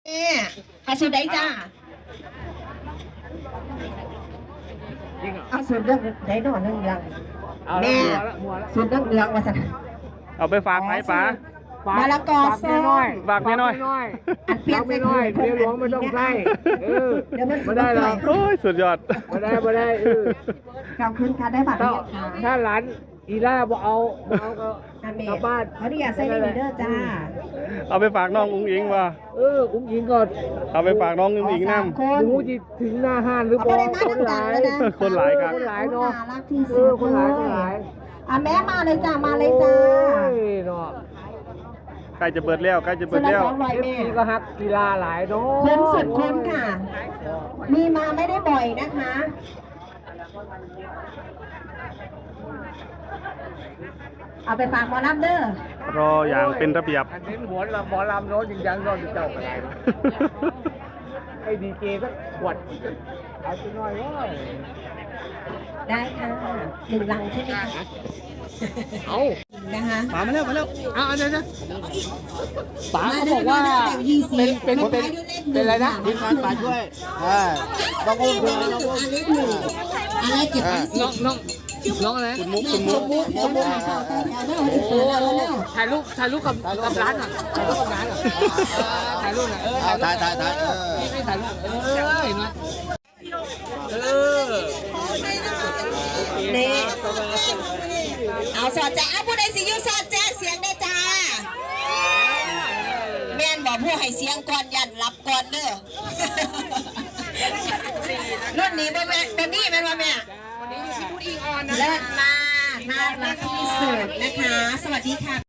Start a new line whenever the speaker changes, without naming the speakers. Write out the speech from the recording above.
อาสุดได้จ้าเอาสุดเรื่องได้หน่อยเรื่องแม่สุดเรื่องมาสัก
เอาไปฝากไหมป๋า
มาละกอซอย
ฝากน้อย
อันเปียกไปน้อย
เดี๋ยวหลวงไม่ต้องใส่
เดี๋ยวมัน
ไม่ได้หรอก
โอ้ยสุดยอด
ไม่ได้
ขอบคุณค่ะได้บัตร
ถ้าหลานอีล่าบอกเอาก็กลับบ้าน
เขาอยากใส่ลีเดอร์จ้า
เอาไปฝากน้องอุ้งอิงว่ะ
อุ้งอิงก่อน
เอาไปฝากน้องอุ้งอิงน้
ำรู้จีถึงหน้าห้านหรือเปล่าคนหลาย
ครับ
คนหลายเนาะ
รักที่สุด
คนหลาย
แม่มาเลยจ้ามาเลยจ้า
ใกล้จะเปิดแล้ว
นี่ก็ฮักกีฬาหลายเนาะ
คุ้มสุดคุ้มค่ะมีมาไม่ได้บ่อยนะคะเอาไปฝากหมอลำเด้อ
รออย่างเป็นระเบียบ
อันนี้หมอลำเนาะจริงจังนอนเจ้าอะไรให้ดีเจสักขวดเอาสักหน่อยว่า
ได้ค่ะ1 ลังใช่ไหมคะ
เอา
นะคะ
มาแล้ว
เอาเดี๋ยวป๋าเขาบอกว่าเป็นอะไรนะ
ทีมงานป๋าช่วยต้องอุ้มเพื่อนน้องอุ้ม
อะไรเก็บ
น้องอะไร
คุณมุก
ถ่ายรูปกับร้านอ่ะถ่ายรูปหน่อย
ถ่าย
ไม่ถ่ายรูปเห็นไหม
นี่เอาสอดแจ๊ผู้ใดสิยูสอดแจ๊เสียงได้จ้าแม่นบอกผู้ให้เสียงก่อนยันรับก่อนเด้อรุ่นนี้บ่แม่ตัวนี้แม่นว่าแม่เลิศมากน่ารักที่สุดนะคะสวัสดีค่ะ